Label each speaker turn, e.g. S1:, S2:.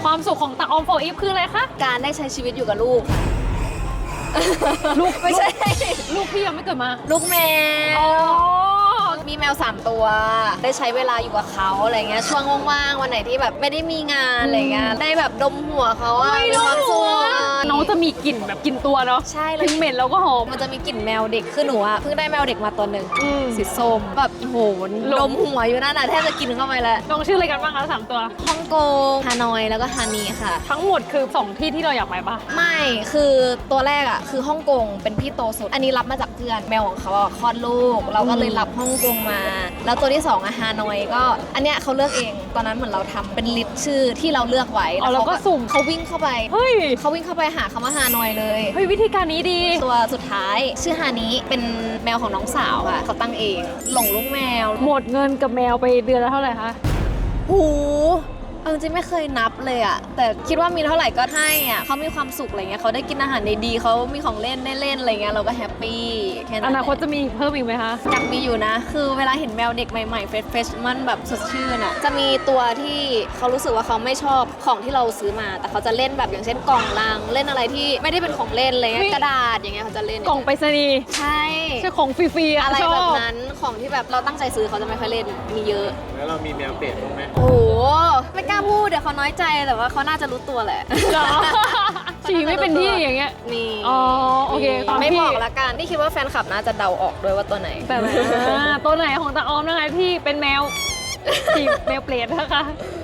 S1: ความสุขของตาออมโฟอีฟคืออะไรคะ
S2: การได้ใช้ชีวิตอยู่กับลูก
S1: ลูก
S2: ไม่ใช่
S1: ลูกพี่ยังไม่เกิดมา
S2: ลูกแม
S1: อ๋อ
S2: วมีแมว3ตัวได้ใช้เวลาอยู่กับเขาอะไรเงี้ยช่วงว่างๆวันไหนที่แบบไม่ได้มีงานอะไรเงี้ยได้แบบดมหัวเขาอะมีความสุข
S1: น้องจะมีกลิ่นแบบกลิ่นตัวเนาะ
S2: ใช่แล้ว
S1: ถึงเหม็นแล้วก็หอม
S2: มันจะมีกลิ่นแมวเด็กคือหนูอะเพิ่งได้แมวเด็กมาตัวหนึ่ง
S1: อืม
S2: สีส้มแบบโหดมหัวอยู่นั่นน่ะแทบจะกินเข้าไปแล้ว
S1: น้องชื่ออะไรกันบ้างคะ3ตัว
S2: ฮ่องกงฮานอยแล้วก็ฮานีค่ะ
S1: ทั้งหมดคือ2ที่ที่เราอยากไปปะ
S2: ไม่คือตัวแรกอะคือฮ่องกงเป็นพี่โตสุดอันนี้รับมาจากเพื่อนแมวของเขาอะคลอดลูกเราก็เลยรับฮ่องกงมา แล้วตัวที่2อะฮานอยก็อันเนี้ยเขาเลือกเองตอนนั้นเหมือนเราทำเป็นลิสต์ชื่อที่เราเลือกไว้
S1: อ๋อแล้วก็สุ่ม
S2: เขาวิ่งเข้าไป
S1: เฮ้ย
S2: เขาวิ่งเข้าไปหาคำว่าฮานอยเลย
S1: เฮ้ยวิธีการนี้ดี
S2: ตัวสุดท้ายชื่อฮานิเป็นแมวของน้องสาวค่ะเขาตั้งเองหลงลูกแมว
S1: หมดเงินกับแมวไปเดือนละเท่าไหร่คะ
S2: หูเอาจริงๆไม่เคยนับเลยอะแต่คิดว่ามีเท่าไหร่ก็ให้อะเขามีความสุขอะไรเงี้ยเขาได้กินอาหารดีๆเขามีของเล่นได้เล่นอะไรเงี้ยเราก็แฮปปี้แค่นั้น
S1: อนาคตจะมีเพิ่มอีกไหมคะ
S2: อยากมีอยู่นะ คือเวลาเห็นแมวเด็กใหม่ๆเฟรชมันแบบสดชื่นอะจะมีตัวที่เขารู้สึกว่าเขาไม่ชอบของที่เราซื้อมา แต่เขาจะเล่นแบบอย่างเช่นกล่องลังเล่นอะไรที่ไม่ได้เป็นของเล่นอะไรเงี้ยกระดาษอย่างเงี้ยเขาจะเล่น
S1: กล่องไปรษณีย์
S2: ใช่
S1: ใช่ของฟรีๆอะ
S2: อะไร
S1: ช
S2: แบ
S1: อ
S2: บบ นั้นของที่แบบเราตั้งใจซื้อเขาจะไม่ค่อยเล่นมีเยอะ
S3: แล้วเรามีแมวเป็ดบ้างไหม
S2: โอ้โหไม่กล้าพูดเดี๋ยวเขาน้อยใจแต่ว่าเขาน่าจะรู้ตัวแหละ
S1: เหรอ ฉี่ไม่เป็นที่อย่างเงี้ย
S2: มี
S1: อ๋อโอเคตาม
S2: ไม่
S1: ที่
S2: บอกละกันนี่คิดว่าแฟนคลับน่าจะเดาออกด้วยว่าตัวไหน
S1: แต่ตัวไหนของตาออมนะคะที่เป็นแมว ฉี่แมวเปรตนะคะ